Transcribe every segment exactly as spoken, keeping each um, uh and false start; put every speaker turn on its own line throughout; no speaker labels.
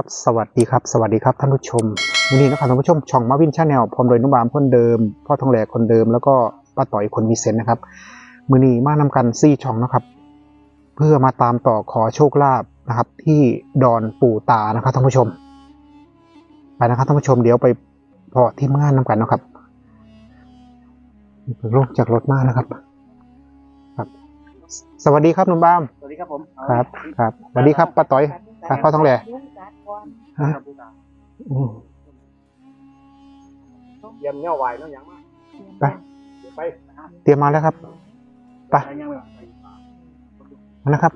สวัสดีครับสวัสดีครับท่านผู้ชมวันนี้นะครับท่านผู้ชมช่องมาวินชาแนลพร้อมโดยนุ่มบามคนเดิมพ่อทองแหลกคนเดิมแล้วก็ป้าต่อยคนมีเซนนะครับมือนี้มานำกันซี่ช่องนะครับเพื่อมาตามต่อขอโชคลาภนะครับที่ดอนปู่ตานะครับท่านผู้ชมไปนะครับท่านผู้ชมเดี๋ยวไปพอที่งานนำกันนะครับลงจากรถมานะครับครับสวัสดีครับนุ่มบาม
สวัสดีครับผม
ครับครับสวัสดีครับป้าต่อยครับพ่อทองแหลกฮะอืม
เยี่ยมเงี้ยวไหวเนาะยังมาก
ไป
เดี๋ยวไป
เตรียมมาแล้วครับไปนะครับ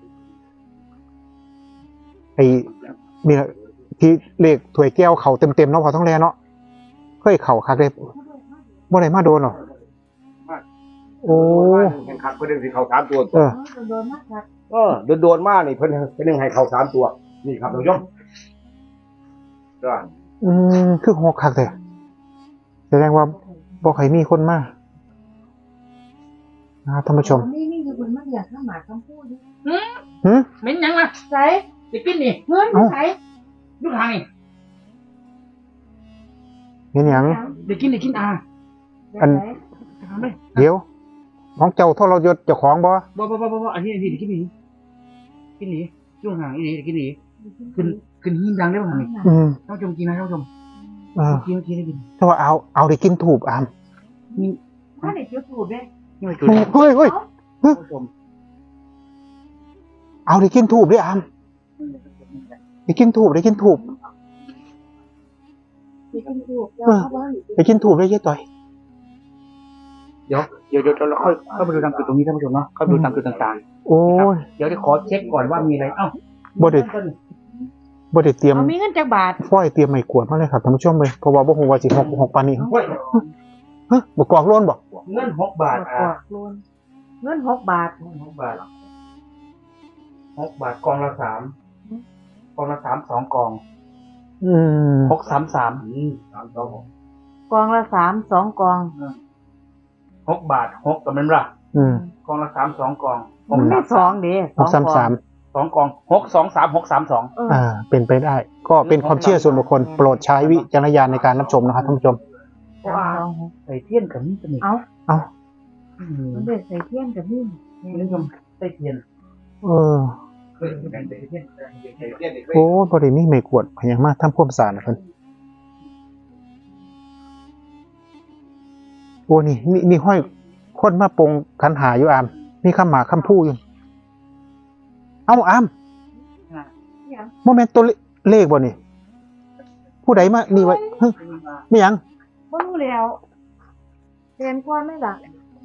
ไอ้นี่แหละที่เลขถวยแก้วเขาเต็มๆเนาะพอต้องแลเนาะเคยเข่าคักเลยบ่ได้มาโดนหรอโอ้
แข่งขันเพื่อนสิเขาสามตัว
เออ
เออโดนโดนมากนี่เพื่อนเพื่อนให้เขาสามตัวนี่ครับท่านผู้ชมก็
อืมคือหกคักเลยแสดงว่าบ่เคยมีคนมานะครับท่านผู้ชม
นี่นี่คือคนมาอยากข้ามหมาคำพูด
หืม
เหม็นยังวะ
ใส่
จะกินนี่
เพื่อนใส่
ลูกหางนี่
เห็นหยัง
เดี๋ยวกินเดี๋ยวกินอ่า
อัน
ทำเลย
เดี๋ยวของเจ้าทรยศเจ้าของบ่
บ่บ่บ่บ่บ่อันนี้อันนี้เดี๋ยวกินนี่กินนี่ลูกหางอีนี่เดี๋ยวกินนี่ขึ้นขึ้นหิ้งดังได้ป่ะนี่
อืม
ท่านผู้ชมกินนะท่านผู้ชม
เออ
กินเมื่อกี้ได้กิน
ถ้าว่าเอาเอาได้กินถูกอาม
นี่
ถ้าเด็กจะถูกเลย
นี่มาจุด
เฮ้ยเฮ้ย
ท่านผู้ชม
เอาได้กินถูกด้วยอามได้กินถูกได้กินถูก
เด็กจะถูกเราเข้าบ้าน
ได้กินถูกได้เยอะต่อย
เดี๋ยวเดี๋ยวเดี๋ยวเราค่อยเข้าไปดูตามจุดตรงนี้ท่านผู้ชมเนาะเข้าไปดูตามจุดต่าง
โอ้ย
ๆเดี๋ยวจะขอเช็คก่อนว่ามีอะไรเอ้า
บ่ได้บ่ได้เตรียม
เอามีเงินจากบาท
ฝ้อยเตรียมไม้กวาดมาเลยครับท่านผู้ชมเลยเพราะว่าบ่ฮู้ว่าสิหกหกปานนี้
เฮ้ย
ฮะบ่กอกโล้นบ่
เงินหกบาทอ่า
โลนเงินหกบาท
หกบาทหกบาทกองละสามกองละสามสองกอง
อืม
หกสามสาม
สามสองหก
กองละสามสองกอง
หกบาทหกกับมันละ
อืม
กองละสามสองกอง
มันไม่สองเด้
หกสามสาม
สองกองหกสองสามหกสามสอง
เออ
อ่าเป็นไปได้ ก็เป็นความเชื่อส่วนบุคคลโปรดใช้วิจารณญาณในการรับชมนะครับท่านผู้ชม
สามสองหก
ใส่เทียนกับนี่จะมี
เอา
เอ้า
มันเด็กใส่เทียนกับนี่
คุณผู้ชมใส่เทียน
เออ
เคยใส่เทียน
เด็กเด็กเด็ก
โอ้บ่ได้มีไม้กวาดพยายามมาทำความสะอาดนะเพิ่นโอ้นี่นี่นี่ห้อยคนมาปรงคันหาอยู่อามมีคำหมาคำพูอยู่เอ้าอามโมเมนต์ตัวเลขบ่นี่ผู้ใดมานี่ไว้เฮ้ยไม่หยัง
ก็รู้แล้วเรียนก่อนไหมล่ะ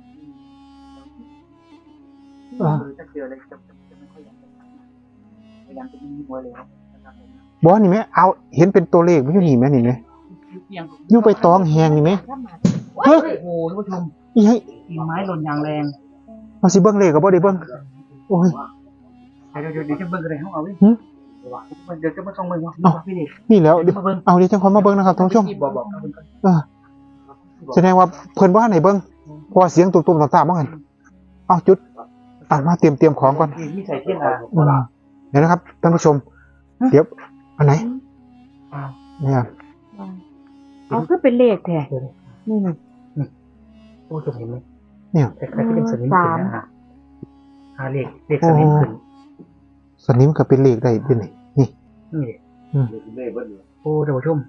อ่า
จะเจออะไรจะจะไม่ค่อยอยากจะพยายามจะมีมวยแล้วนะครับ
บ่นี่ไหมเอาเห็นเป็นตัวเลขไม่ใช่นี่ไหมนี่ไหมอยู่ไปตองแหงนี่ไหม
ข้ามหมา
เฮ้ย
โอ้โหท่านผู้ชม
อีให้
กิ่งไม้หล่นอย่างแรง
เอาสิเบิ่งเลขก็บ่ได้เบิ่งโอ้ย
เดี๋ยวเดี๋ยวเดี๋ยวจะเบิ่งอะไรให้เอาไว้
หึ
เดี๋ยวจะมาส่งเบิ่งเนาะ
เอ้า
พี่เด็ก
นี่แล้วเดี๋ยว
มาเบิ่ง
เอาเดี๋ยวจังคนมาเบิ่งนะครับท่านผู้ชม
บอกบอกเอาเบิ่งก่อน
เออแสดงว่าเพิ่นบ่ทันให้เบิ่งเพราะว่าเสียงตุ้มๆต่างๆบ่หั่นเอาจุดอ่ะมาเตรียมเตรียมของก่อน
มีใส่เทียนอ่ะ
อืมเดี๋ยวนะครับท่านผู้ชม เดี๋ยวอันไหน
อ่า
เนี่ย
เอาคือเป็นเลขแท้นี่นี่
โอ้จะเห็นไหม
เนี่ย
คล้ายๆที่เป็นสนิมขึ้นนะฮะหาเลขเลขสนิมขึ้น
สนิมก็เป็นเลขได้ด้วยนี่นี่
นี่
อืม
เด็กเด็กเบิ้ล
โอ้ท่านผู้ชม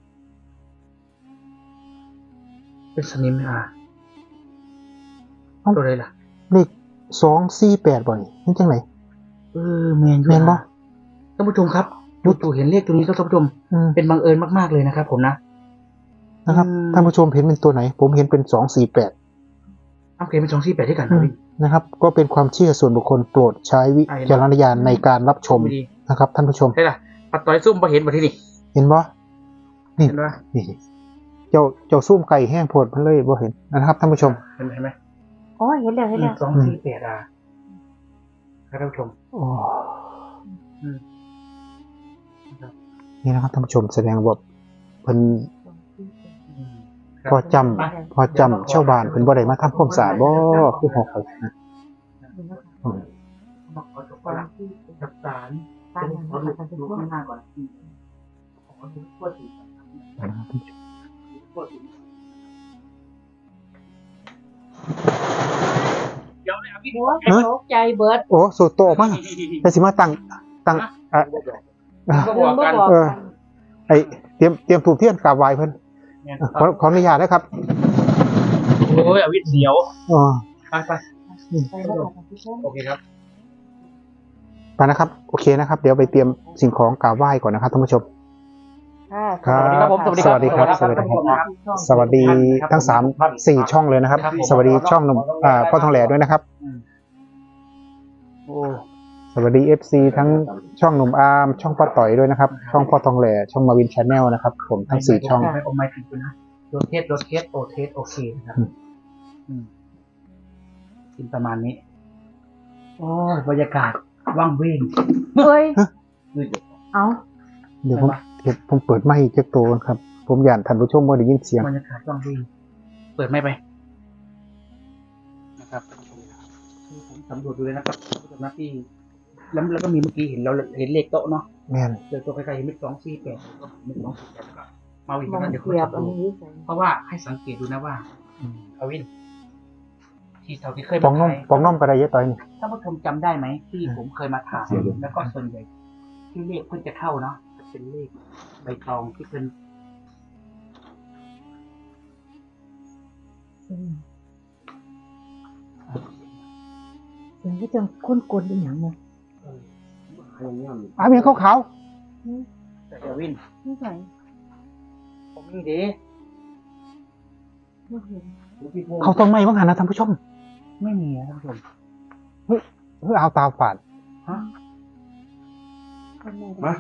เป็นสนิมอ่ะตัวอะไรล่ะ
เลขสองสี่แปดบ่นี่นี่จังไหน
เออแมน
แม่นบ่
ท่านผู้ชมครับจู่ๆเห็นเลขตัวนี้แล้วท่านผู้ชม
อืม
เป็นบังเอิญมากๆเลยนะครับผมนะ
นะครับ
อืม
ท่านผู้ชมเห็นเป็นตัวไหน ผมเห็นเป็นสองสี่แปด
เอาเขียนเป็นสองสี่แปดด้วยกันนะพี่
นะครับ ก็เป็นความเชื่อส่วนบุคคลโปรดใช้วิจารณญาณในการรับชม
ไม่ดี
นะครับ ท่านผู้ชม
ใช่ล่ะปัดต่อยซุ่มมาเห็นมาที่นี่
เห็นบ่นี่
เห็นไหม
นี่เจ้าเจ้าซุ่มไก่แห้งโพดมันเลยบ่เห็นนะครับท่านผู้ชม
เห็นไหมเห็นไหม
อ๋อเห็นแล้วเห็นแล้ว
สองสี่แปดอ่ะครับท่านผู้ชม
โอ้
อืม
นี่นะครับท่านผู้ชมแสดงว่าเพิ่น
อืม
พอจำพอจำชาวบ้านเพิ่นบ่ได้มาทำความสะอาดบ่คือหอกเขานะอืม
บอกขอจบก่อนละจับสาร
ตามนั้น
ขอ
นะ
ดู
คะท่านผู้
ดู
ชม
ข้างหน้าก่อนขอดูทั่วถึงทั่วถึงเดี๋ยวเลยอ่ะพี่
หัวตกใจเบิด
โอ้สูตรโตออกมาแต่สิมาตั้งตั้งอ่ะ
ก็บอกกัน
เออ ไอเตรียมเตรียมถูกเทียนกราบไหว้เพิ่นขอขออนุญาตนะครับ
โอ้ยอวิทย์เสียว
อ๋อ
ไปไป
ไปแล้วค่ะท่านผู้ชม
โอเคครับ
ไปนะครับ โอเคนะครับ เดี๋ยวไปเตรียมสิ่งของกราบไหว้ก่อนนะครับท่านผู้ชม
ค่ะ
ครับ
สวัสดีครับผม
สวัสดีครับสวัสดีครับ สวัสดีทั้งสามสี่ช่องเลยนะครับ สวัสดีช่องหนุ่มอ่าพ่อทองแหล่ด้วยนะครับโอ้สวัสดีเอฟซีทั้งช่องหนุ่มอาร์มช่องป้าต่อยด้วยนะครับ ช่องพ่อทองแหล่ช่องมาวินชาแนลนะครับ ผมทั้งสี่ช่อง
ไม่อมไม่ผิดนะโดนเทสโดนเทสโอเทสโอเคนะครับอืมกินประมาณนี้โอ้ยบรรยากาศว่างเว้ง
เฮ้ย
คือ
เอา
เดี๋ยวผมเดี๋ยวผมเปิดไมค์เจ๊กโตก่อนครับ ผมอยากท่านผู้ชมว่าได้ยินเสียง
บรรยากาศว่างเว้งเปิดไม่ไปนะครับคือผมสำรวจดูเลยนะครับผู้ชมนะที่แล้วแล้วก็มีเมื่อกี้เห็นเราเห็นเลขโต๊ะเนาะ
แม่น
เจอตัวใกล้ๆเห็นเลขสองสี่แปดก็เห็นสองสี่แปดก็มาอีก
มอง
นะเดี๋ยว
เสียบ
เขา
อัน
จะดู
นี้ใส่
เพราะว่าให้สังเกตดูนะว่าอวินที่เท่าที่เคย
ปองน้อม
ถ่าย
ปองน้อมกระไดเยอะต่อยนี่
ท่านผู้ชมจำได้ไหมที่ผมเคยมาถ่ายแล้วก็ส่วนใหญ่ที่เลขเพิ่งจะเข้าเนาะจะเป็นเลขใบตองที่เป็น
อืมเสียงก็จังคุ้นกลเป็นอย่างเนี้ย
อ้าวยังขาว
แต่อวิน
ไม่ใส่
ผมนี่ดี
ไม่เห็น
ๆเขาต้นไม้บ้างหันนะท่านผู้ชม
ไม่มีนะท่านผู้ชม
เฮ้ยเอาตาฝาด
ฮะ
คนแม่
มา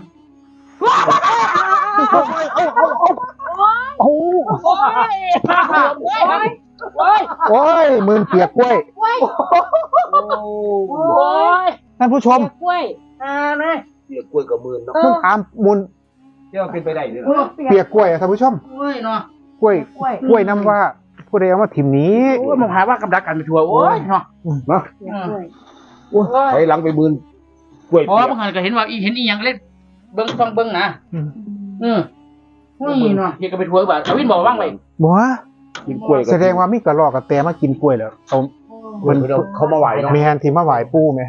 โอ้
โอ้ยโอ้ย
โอ้ยมือเปียกกล้วย
โอ้ย
โอ้ย
ท่านผู้ชม
กล้วย
อ่านะ
เปียกกล้วยกับมือเนาะ
นุ่มอามมุน
เที่ยวเป็นไปได้เลย
เปียกกล้วยอะท่านผู้ชม
โอ้ยเนาะ
กล้วย
กล้วย
กล้วยน้ำว่าผู้ใดเอามาถิ่มนี้
โอ้ยมองหาว่ากำลังกันไปทัวร์โอ้ยเนาะ
เนาะ
เสียกล้วย
โอ้ย
ถอยหลังไปมือกล้วย
เพราะ
เปีย
ว่าก บางคนก็เห็นว่าอีเห็นอีหยังเล่นเบิ้งต้องเบิ้งนะ
อืม
อืมนี่เนาะเฮียก็ไปทัวร์แบบอวินบอกว่างไป
บัว
กินกล้วยกับ
แสดงว่ามีกระรอกกับแตมากินกล้วยเหรอเขา
เพิ่นเขามาไหวเนาะ
แมนที่มาไหวปูไหม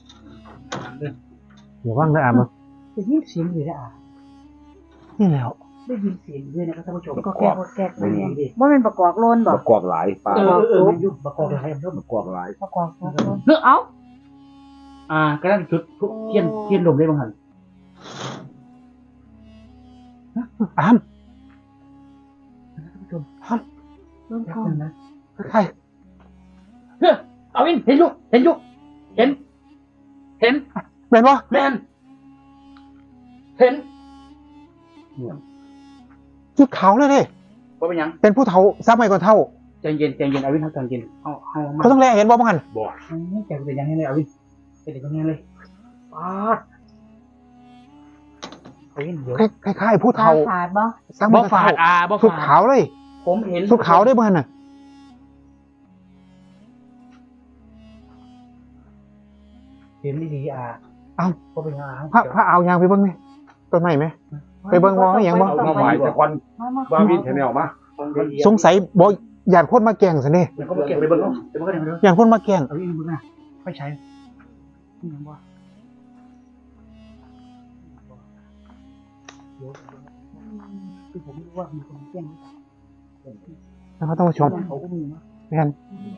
เดี๋ยวว่างนะอาม
ได้ยินเสียงอยู่นะอ่ะ
นี่แล้ว
ได้ยินเสียงด้วยนะครับท่านผู้ชม
ก็แกกแกกว่าเป็นประกอบโลนบอ
ป
ก
ระกอบหลายปลา
เออเออมันยุ่งประกอบอะไรเพิ่ม
ประกอบหลาย
ประกอบโลน
เฮ้อเอ้าอ่าก็ได้จุดเทียนเทียนลมได้บ้างหัน
อาม
ท่านผู้ชม
โลน
แป๊บ
ทอง
นึงนะ
ใคร
เฮ้อเอาวินเห็นอยู่เห็นอยู่เห็น เห็น
แมนวะ
แมนเห็น
ชุดขาวเลยเด้
ว่าเป็นยัง
เป็นผู้เฒ่าซับไม่ก่อนเท่า
ใจเย็นใจเย็นเอาวินเขาใจเย็นเอาเอามา
เขาต้องแลเห็นบ่บ้างหัน
บ่
ไม่ใจเป็นยังไงเลยเอาวินเป็นยังไงเลยป๊าดเอาวินเดี๋ยว
คล้ายๆผู้
ตา
เฒ่า
ฝาดบ่
ซับ
บ่
ไม่ก่อน
ฝา
เท่า
ดอ่าบ่
ชุด
ฝา
ขาวเลย
ผมเห็น
ชุดขาวได้บ้างหันน่ะ
เห็นดีๆอ่า
เอ้า
ก็เป็นยังไง
พระพระเอายางไปเบิ่งไหมต้นไม้ไหม ไปเบิ่งวอให้หยังบ่
เอามาไหวแต่ควัน
มามา
ว่าวินแชนแนลมา
สงสัยบ่อยากคนมาแกล้งซะนี่
เดี๋ยวก็ไปเก็บไปเบิ่งเนาะเดี๋ยวมันก็เดี๋ยว
อยากคนมาแกล้ง
เอาวินเบิ่งนะไม่ใช่นี่ยังบ่คือผมไม่รู้ว่ามีคนแจ้ง
นะครับท่านผู้ชม
เขาก็มีนะ
แม่น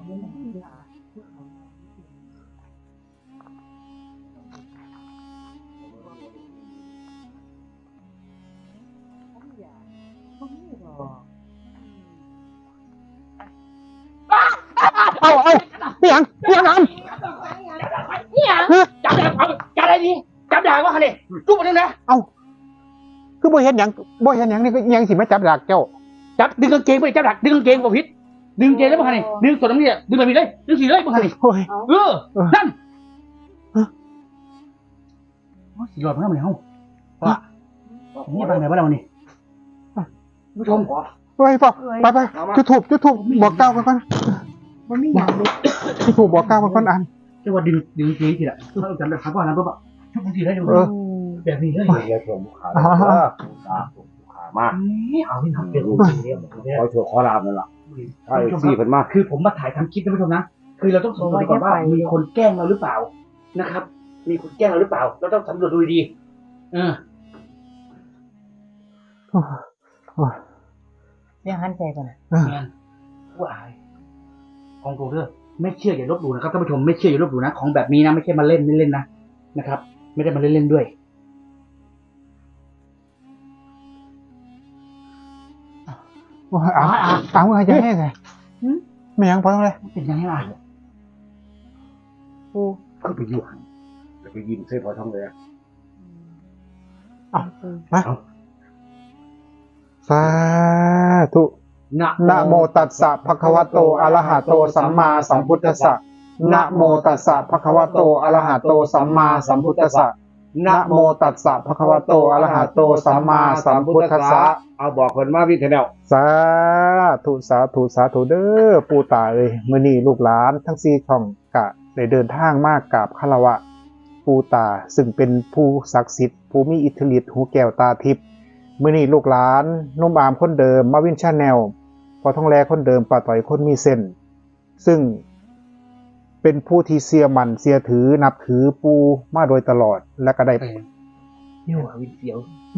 เอาเอาพี่หยังพี่หยังอาม
เนี่ย
จับได้เอาจับได้ดีจับได้ว่าเนี่ยจุ๊บมาดึงนะ
เอาคือบ่เห็นหยังบ่เห็นหยังนี่ก็ยังสิมาจับดักเจ้า
จับดึงกางเกงไปจับดักดึงกางเกงบ่ผิดดึงกางเกงแล้วบ่คันนี่ดึงตัวน้ำเนี่ยดึงแบบนี้เลยดึงสีเลยบ่คันนี่
โอ้ย
เออ
เออ
นั่นโอ้ยสีหลอดมันทำไมเฮาว่านี่ไปไหนบ้างเรานี่ผู้ชม
ไปไปไปไปจุดถูกจุดถูกบอกเก้ากันก่อน
มันไม่อยากเลย
จุดถูกบอกเก้ากันก่อนอัน
จะว่าดึงดึงกางเกงทีละเราจำได้ครับว่านั้นปุ๊บอะชุบทีได้ดู
เออ
ม
แบบนี้เลย
เรียกชมลูกค้าเลยว่าลูกค้าลูกค้ามาก
นี่เอาที่ทำเป็นรูปเรียบเนี่ย
ขอโชว์ขอลาบนั่นแหละใช่ซี่เพิ่นมาก
คือผมมาถ่ายทำคลิปนะผู้ชมนะ คือเราต้องสำรวจก่อนว่ามีคนแกล้งเราหรือเปล่านะครับ มีคนแกล้งเราหรือเปล่า เราต้องสำรวจดูดีๆเออ
ยังหันใจกันนะ
งานผู้อายของโรเดอร์ไม่เชื่ออย่าลบหลู่นะครับท่านผู้ชมไม่เชื่ออย่าลบหลู่นะของแบบนี้นะไม่ใช่มาเล่นไม่เล่นนะนะครับ ไม่ได้มาเล่นเล่นด้วย
เอาเอาเอาจะให้ไงไม่ยังพอต้องเลย
เป็นยังไงล่ะ
ปู
คือไปอยู่หันแล้วไปยินเส้นพอท้องเลย
สาธุ
นะ
นะโมตัสสะภะคะวะโตอะระหะโตสัมมาสัมพุทธัสสะนะโมตัสสะภะคะวะโตอะระหะโตสัมมาสัมพุทธัสสะนะโมตัสสะภะคะวะโตอะระหะโตสัมมาสัมพุทธัสสะ
เอาบอกเพิ่นมาวินเทนแนล
สาธุสาธุสาธุเด้อปู่ตาเอ้ยมื้อนี้ลูกหลานทั้งสี่ช่องกะได้เดินทางมากกราบคารวะปู่ตาซึ่งเป็นผู้ศักดิ์สิทธิ์ผู้มีอิทธิฤทธิ์หูแก้วตาทิพย์มื้อนี้ลูกหลานนุ่มอามคนเดิมมาวินชาแนลพอท้องแลคนเดิมป้าต่อยคนมีเส้นซึ่งเป็นผู้ที่เสียมันเสียถือนับถือปู่มาโดยตลอดและก็ได้
นี่หัววินเสียว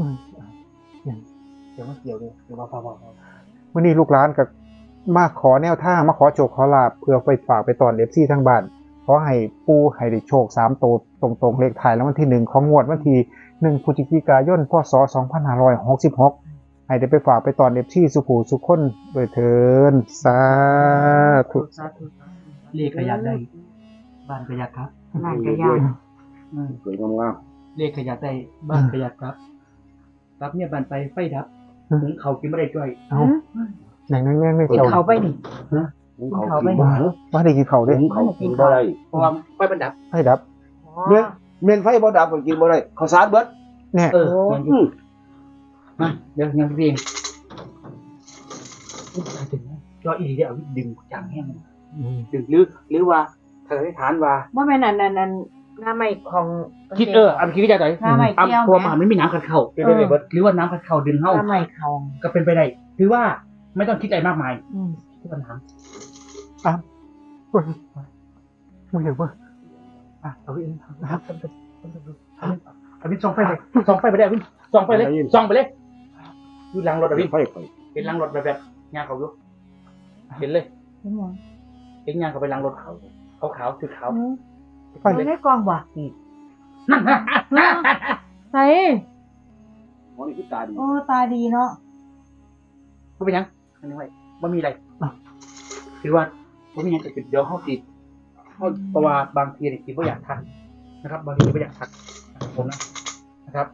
เสียวมาเสียวเลยเดี๋ยวมาพอพอพอ
วันนี้ลูกหลานกับมาขอแนวทางมาขอโชคขอลาบเพื่อไปฝากไปตอนเอฟซีทั้งบ้านขอให้ปูให้ได้โชคสามโตวตรงๆเลขท้ายแล้ววันที่หนึ่งของงวดวันที่หนึ่งพฤศจิกายนพศสองพันห้าร้อยหกสิบหกให้ได้ไปฝากไปตอนเอฟซีสุขูสุขคนโดยเทินสาธุ
เลขขยันได้บ้านขยันครับ
นั่นก็ยาก
อืม
สวยงาม
เลขขยันได้บ้านขยันครับรับเนี่ยบ้านไปไฟดับหุงเขากินไม่ได้จ้อย
เอาแน่งแน่งแน่งไม่
กิน
เจ้า
เขาไปนี่
ๆหุงเขากินบ่
ว่าได้กินเขาวเด้
หุงเขากินบ่ได้
เพราะว่าไฟมันดับ
ให้ดับ
เมียนเมียนไฟบ่ดับก็กินบ่ได้ข้าวสารเบิด
เนี่ย
เออยังอยู่มาเดี๋ยวยังพี่เองจอยอีเดียวดึงจังแห้งดึงหรือหรือว่าทางฐานว่า
ว่าแม่นั่นนั่นนั่นหน้าไม่ของ
คิดเอออันคิดวิจัยต่อย
หน้าไม่
อัน
เกี่ยว
พวมันไม่มีน้ำขัดเข่าเป็นไปได้เบิดหรือว่าน้ำขัดเข่าดึง
ห
เข้า
น้าไม่เขา
ก็เป็นไปได้ถือว่าไม่ต้องคิดอะไรมากมาย
อืม
ที่ปัญหา
อ่ะเฮ้ยมึงเห็นป่ะ
อ่ะเอาไปนะครับอวินส่องไฟเลยส่องไฟไปได้อวินส่องไปเลยส่องไปเลยดูลังรถอวิน
ไฟไฟ
เห็นลังรถแบบแบบงานเขาอยู่เห็นเลย
เห็นยัง
เห็นงานเขาไปลังรถเขาเขาขาวคือขาว
ไป
อยู่ในกล่องว่ะ
นั่นนะ
ใส่
หมอนี่คือตาดี
โอ้ตาดีเนาะ
เขาเป็นยังอันนี้ไว้ไม่มีอะไรถือว่าไม่มียังจะเดี๋ยวเขาติดเพราะว่าบางทีเนี่ยคิดว่าอยากทักนะครับ บางทีไม่อยากทักผมนะนะครับ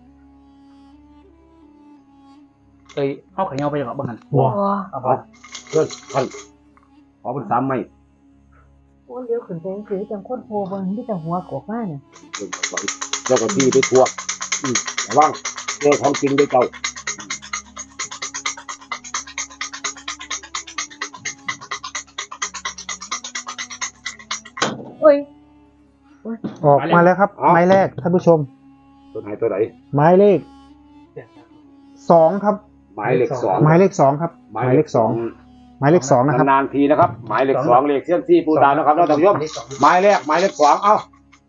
เอ้ยเข้าขยเงาไปหรอบางหัน
ว้า
โอ้
เอาไป
เพิ่นท่านขอเป็นสามไม้
โอ้เลี้ยวขึ้นไปคือจังโคตรโพเบิ่งที่จังหัวกอกมาเนี่ย
เพิ่นก็ไว้แล้วก็ที่ไปทั่วอืมระวังเจอของจริงด้วยเจ้า
โอ้ย
ออกมาแล้วครับไม้แรกท่านผู้ชม
ตัวไหนตัวไหน
ไม้เลขสองครับ
หมายเลขสอง
หมายเลขสองครับหมายเลขสองหมายเลขสองนะครับ
นานๆทีนะครับ หมายเลขสองเลขเส้นที่ปูตานะครับท่านผู้ชมหมายแรกหมายเลขสองเอ้า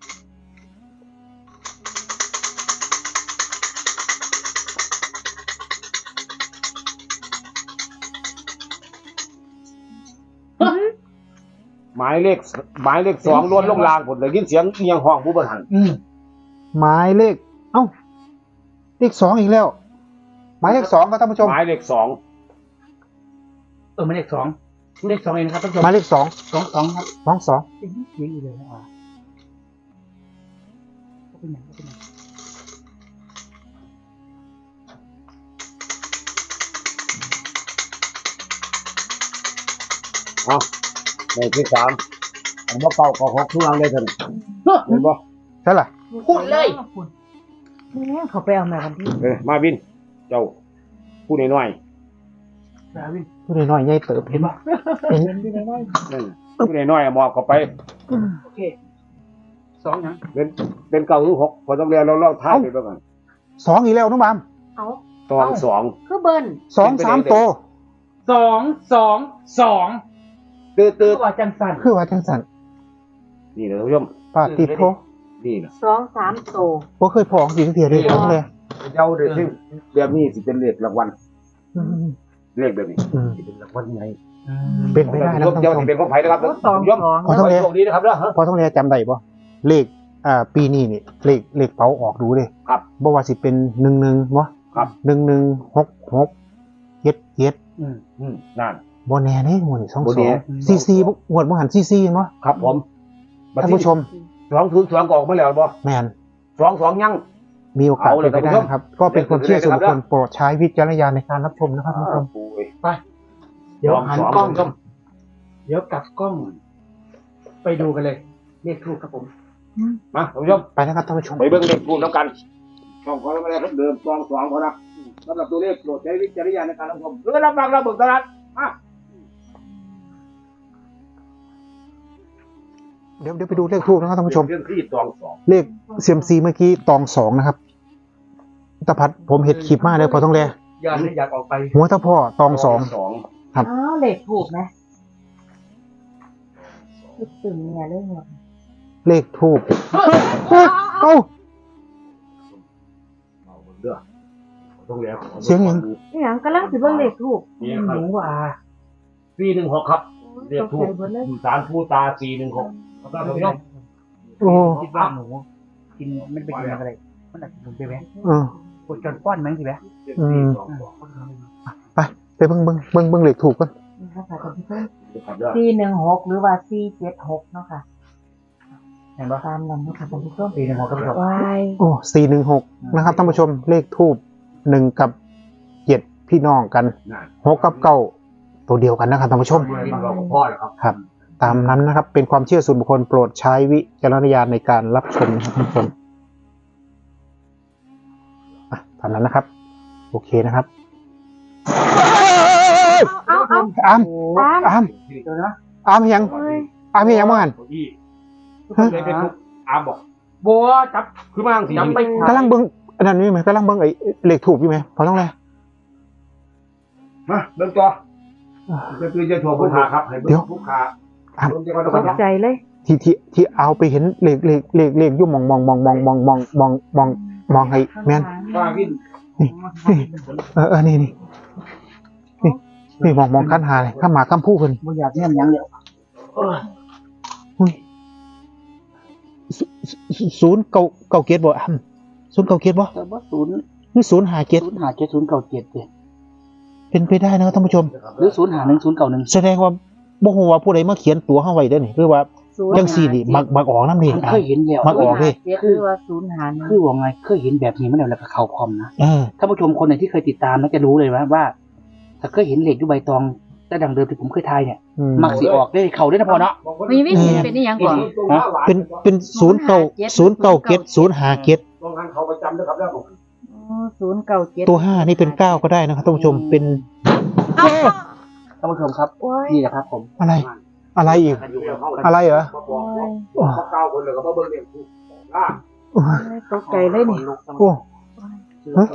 หมายเลขหมายเลขสองล้วนลงรางผมเลยยินเสียงเอียงห้องผู้บริหาร
อืม
หมายเลข เอ้า เลขสองอีกแล้ว หมายเลขสองครับท่านผู้ชม
หมายเลขสอง
เออไม่เลขสองเลขสองเองนะครับท่านผู้ชม
หมายเลขสอง
สองสองครับ
สองสอง
ยิงอีกเลยอ่ะก็เป็นอย่างก็เป็นอย่าง
เอาเลขที่สามผมว่าเก่าก็หกทุกอย่างเลยท่านเห็นบ่
ใช่ล่ะ
พูดเลย
นี่เขาไปเอามาวันที่
เออมาวิน เจ้าผู้น้อย
ดาวิน
ผู้น้อยๆใหญ่เติบ
เห็นปะ
เห็น
เป็นที่ไหนได้
ๆนั่นผู้น้อยๆอะมอบเข้าไป
โอเคสองยัง
เป็นเป็นเก่าหรือหกพอต้องเรียนเราเล่าท้ายไปบ้างกัน
สองอีกแล้วน้องบาม
เอา
ตองสอง
คือเบิ้ล
สองสามโตว
สองสองสอง
ตื้อตื้อ
ตัวจังสัน
คือว่าจังสัน
นี่นะท่านผู้ชม
ปาติโท
นี่นะ
สองสามโต
บ่เคยพอของสีเทียเลยทั้งเลย
เจ้าเด็กที่แบบนี้สิเป็นเลขรางวัล
อืม
เลขแบบนี้
อืม
สิเป็นรางวัลไง
เป็นไปได้นะ
เจ้า
ท่านผู้ชม
ที่เป็นของไผ่นะครับ
โอ้สอง
ท่านผู้ชม
สอง
ขอโทษ
โชคดีนะครับเด้อฮะ
พอต้องเรียนจำได้ปะเลขอ่าปีนี้นี่เลขเลขเป๋าออกดูเลย
ครับ
บ่ว่าสิเป็นหนึ่งหนึ่งวะ
ครับ
หนึ่งหนึ่งหกหกเจ็ดเจ็ด
อืม
อืมนั่น
บ่แน่เด้หมวดนี่สอง
บ่
ส
แน่
องซีซีหมวดบ่หันซีซีเนาะ
ครับผม
ท่านผู้ชม
สองถึงสองก็ออกมาแล้วบ่
แมน
สองสองยัง
มีโอกาส
เอาเล
เป็
ย
นไปได้
ท่านผู้ชม
นะครับ ก็เป็นความเชื่อส่วนบุคคล
ครับ
โปรดใช้วิจารณญาณในการรับชมนะครับท่านผู้ชม
ปุ้ย
ไปเดี๋ยวหัน
สอง
กล้อง
สอง
เดี๋ยวกลับกล้อง ไปดูกันเลยเลขทูปครับผม
มาท่านผู้ชม
ไปนะครับท่านผู้ชม
ไปเบิ่งเลขคูณน้ำกันช่องของเราเพิ่มเดิมสองสองพอนะสำหรับตัวเลขโปรดใช้วิจารณญาณในการรับชมหรือรับฟังเราเบิกตลาดมา
เดี๋ยวเดี๋ยวไปดูเลขทูบนะครับท่านผู้ชม
เรื่องที่ตองสอง
เลขเซียมซีเมื่อกี้ตองสองนะครับตะพัดผมเห็ดคลิปมากเลยพอต้องแล
อยากอยากออกไป
หัวตะพ่อตองสอง
สอง
ครับ
อ้าวเหล็กถูกไหมคิดถึงเนี่ยเรื่องหมด
เลขทูบเอ้า
เอาเด้อต้องแล้ว
เสียงหยัง
นี่หยังกำลังสิเบิ่งเหล็กถูก
นี่ค
ห
รับ
นูว่า
สี่หนึ่งหกครับเลข
ตก
ทู
ใจ
บ
เบิดเลย
สารผู้ตาสี่หนึ่งหกครับท่านผู้ชม
โอ้
คิดว่าหนูกินมันเป็นกินอะไรมันอาจจะหนุนไปไหม
เออก
ดจนป้อนมั้งสิไหม
อืมไปไปเบิ่งเบิ่งเบิ่งเบิ่งเลขถูกกัน
นี่ค่ะท่านผู้ชม
ครับเด้อ
สี่หนึ่งหกหรือว่าสี่เจ็ดหกเนาะค่ะ
เห็นปะ
ตามนั้นเนาะค่ะท่านผู้ชม
ปีหนึ่งหกก็เป็น
วาย
โอ้สี่หนึ่งหกนะครับท่านผู้ชมเลขทูบหนึ่งกับเจ็ดพี่น้องกัน
นั่น
หกกับเก้าตัวเดียวกันนะครับท่านผู้ชม
กินเรากับพ่อเลยครับ
ครับ ตามนั้นนะครับ เป็นความเชื่อส่วนบุคคลโปรดใช้วิจารณญาณในการรับชมนะครับท่านผู้ชมอ่ะตามนั้นนะครับ โอเคนะครับ
เอาเอา
อาม
ตาม
อาม
เดี๋ยวนะ
อามยัง
เฮ้ย
อามยังบ้าง
ที่ทุกคนเลยเป็นทุกอามบอก
บัวจับ
คือมาสี่
จับไป
กำลังเบิ้งอันนั้นนี่ไหมกำลังเบิ้งไอ้เลขถูกอยู่ไหมพอต้องเลย
มาเริ่มต่อจะคือจะถั่วผู้ขาครับให้เบิ่งผู้ขา
อาม
เบิ่งจะก่อน
ต
ก่อน
ก
นะ
ใจเลย
ที่ที่ที่เอาไปเห็นเลขเลขเลขเลขอยุ่มองมองมองมองมองมองมองมองมองให้แม่น
ว่าวิน
เออเออนี่นี่นี่นี่มองมองขั้นหาเลยข้ามหมาข้ามผู้เพิ่น
บัวอยากเนี่ยยังเดียว
อุ้ยศูศูศูนย์เก่าเก่าเกียรติบ่อ่ำศูนย์เก่าเกียรติบ่
แต่ว่าศูนย์
นี่ศูนย์หาเกียรติ
ศูนย์หาเจ็ดศูนย์เก้าเจ็ดเลย
เป็นไปได้นะครับท่านผู้ชม
หรือศูนย์หาหนึ่งศูนย์เก้าหนึ่ง
แสดงว่าบ่ฮู้ว่าผู้ใดมาเขียนตัวเฮาไว้เด้อนี่คือว่า
ศูนย์
จังซี่นี่มักมักออกนำนี่
มัน
อ่ะ
เคยเห็นแล้ว
มักออก
ศูนย์ห้าเจ็ดหรือว่าศูนย์หาหนึ่ง
คือว่าไงเคยเห็นแบบนี้มาแล้วแล้วก็เขาพร้อมนะ
เออ
ท่านผู้ชมคนไหนที่เคยติดตามน่าจะรู้เลยว่าว่า ถ้าเคยเห็นเหล็กอยู่ใบตองแต่ดังเดิมที่ผมเคยทายเนี่ย
อืม
มักสีออกได้เขาได้นะพอเนาะ
มีวิธีเป็นนี่ยังก่อน
เป็นเป็นศูนย์เก่าศูนย์เก่าเกียรติศูนย์หาเกียรติ
ลองทางเขาประจำด้วยครับแล้วผม
ศูนย์เก้าเจ็ด
ตัวห้านี่เป็นเก้าก็ได้นะครับท่านผู้ชมเป็น
เอา
ท่านผู้ชมครับ
โอ้ย
นี่แหละครับผม
อะไร อะไรอีก อะไรเหรอ
มาบอกว่าเขาเก้าคนเลยก็มาเบิ่งเรื่องผู้ล่า
โอ้ย
ตกใจเลยนี่
โอ้ ฮะ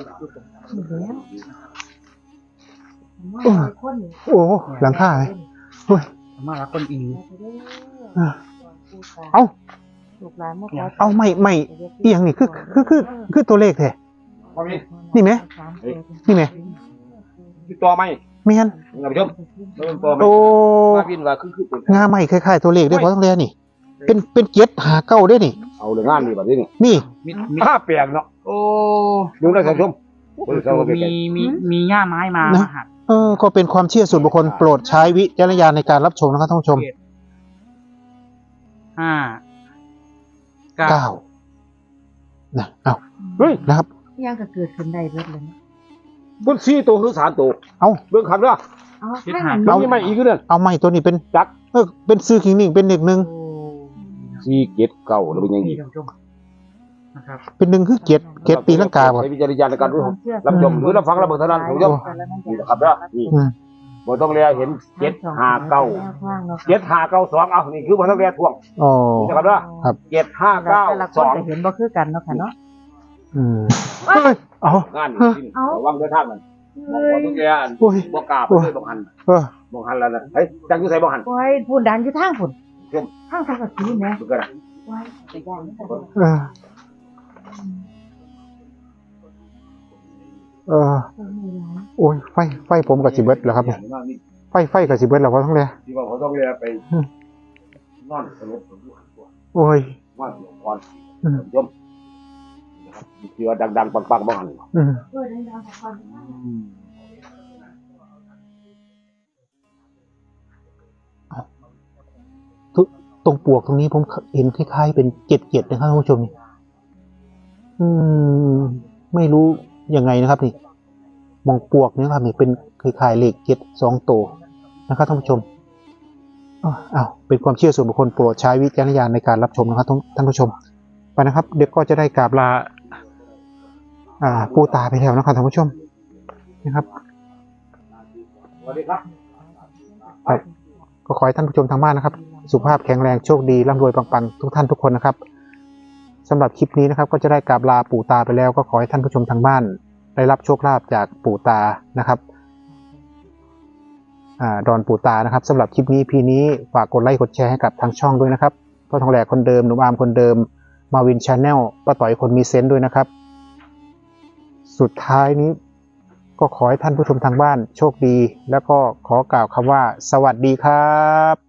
แล้วว่าคนนี่
โอ้หลังคาเลยโอ้ย
มาแล้วคนอีก
อ่ะ เอา
ลูกหลานมาข
เอาไม่ไม่อีหยังนี่คือคือคือคือตัวเลขแท้
พอมี
นี่ไหมนี่ไหม
ติดต่อไหม
ไม่งั้น
ท่านผู้ชมเริ่มต่อไหม
โอ้
ว่าวินว่าคือคือเป็น
งาไม่คล้ายๆตัวเลขได้พอต้องเรียนนี่ เป็นเป็นเกียรติหาเก้าได้นี่
เอาเรื่องงานนี่แบบนี้นี่
นี่
มีมี
ห้าแปลงเนาะ
โอ้
ดูได้ท่านผู้ชมเบิ่งเขาก็เป็น
มีมีมีหญ้าไม้มามาหัด
เออก็เป็นความเชื่อส่วนบุคคลโปรดใช้วิจารณญาณในการรับชมนะครับท่านผู้ชม
ห้าเก้า
เก้านะเอา
เฮ้ย
นะครับ
ยังก็เกิดขึ้นได้เบิดเลย
บนสี่ตัวหรือสามตัว
เอา
เบิ่งขันเด้อ
เอาข้างหัน
แล้วนี่ไม่อีกเรื่อง
เอาไม่ตัวนี้เป็น
จัก
เออเป็นซื้อคิงนิ่งเป็นหนึ่งหนึ่ง
สี่เจ็ดเก้าแล้วเป็นยังไง
นี่ท่านผู้ชมนะครับ
เป็นหนึ่งคือเกียรติเกียรติตีลังกาบ่
ใช้วิจารณญาณในการรู้รับชมหรือรับฟังรับเบิ่งเท่านั้นท่านผู้ชมนี่นะครับเด้อนี่
อืม
บ่ต้องเรียเห็นเจ็ดห้าเก้าเจ็ดห้าเก้าสองเอานี่คือบ่ต้องเรียท่วง
อ๋อ
นี่นะครับเด้อ
ครับ
เจ็ดห้าเก้า
แต่ละค
ส
น
อง
จะเห็นบ่คือกันเนาะค่ะเนาะ
อืมเฮ้ยเอา
งานนี่ระวังเดินทางมันมองว่าทุกอย่าง
โอ้ย
บ่กล้าไปเลยบ่หัน
เออ
บ่หันแล้วนะเฮ้ยจังอยู่ไสบ่หัน
ไว้พูนดันอยู่ทางพุ่น
เข้ม
ทางทางกะสีแหม
ดูกันนะ
ไว้ไปย่างนี่ก็
เออเออ
ไม่ร้าย
โอ้ยไฟไฟผมกับสิเบิดแล้วครับเนี่ยไฟไฟกับสิเบิดแล้วพอทั้งเลย
ที่ว่าเขาต้องเรียกไปนอนสลบอยู่หันตัว
โอ้ย
ว่าเดี๋ยวก่อนยมนะครับที่ว่าดังๆปังๆบ่หัน
อืม
เออได้แล้วก่อน
ทุตรงปวกตรงนี้ผมเห็นคล้ายๆเป็นเจ็ดเจ็ดนะครับท่านผู้ชมนี่อืม ไม่รู้ยังไงนะครับนี่มองปวกเนี่ยครับนี่เป็นคล้ายๆเลขเจ็ดสองตัวนะครับท่านผู้ชมอ้าวอ้าวเป็นความเชื่อส่วนบุคคลโปรดใช้วิจารณญาณในการรับชมนะครับท่านผู้ชมไปนะครับ เด็กก็จะได้กราบลา อ่า ปูตาไปแล้วนะครับท่านผู้ชมนะครับ
สวัสดีครับ
ครับก็ขอให้ท่านผู้ชมทางบ้านนะครับ สุขภาพแข็งแรงโชคดีร่ำรวยปังๆทุกท่านทุกคนนะครับสำหรับคลิปนี้นะครับ ก็จะได้กราบลาปู่ตาไปแล้วก็ขอให้ท่านผู้ชมทางบ้าน ได้รับโชคลาภจากปู่ตานะครับอ่าดอนปู่ตานะครับสำหรับคลิปนี้พีนี้ฝากกดไลค์กดแชร์ให้กับทางช่องด้วยนะครับพ่อทองแหลกคนเดิมหนุ่มอาร์มคนเดิมมาวินชาแนลป้าต่อยคนมีเซนต์ด้วยนะครับ สุดท้ายนี้ ก็ขอให้ท่านผู้ชมทางบ้านโชคดี แล้วก็ขอกล่าวคำว่า สวัสดีครับ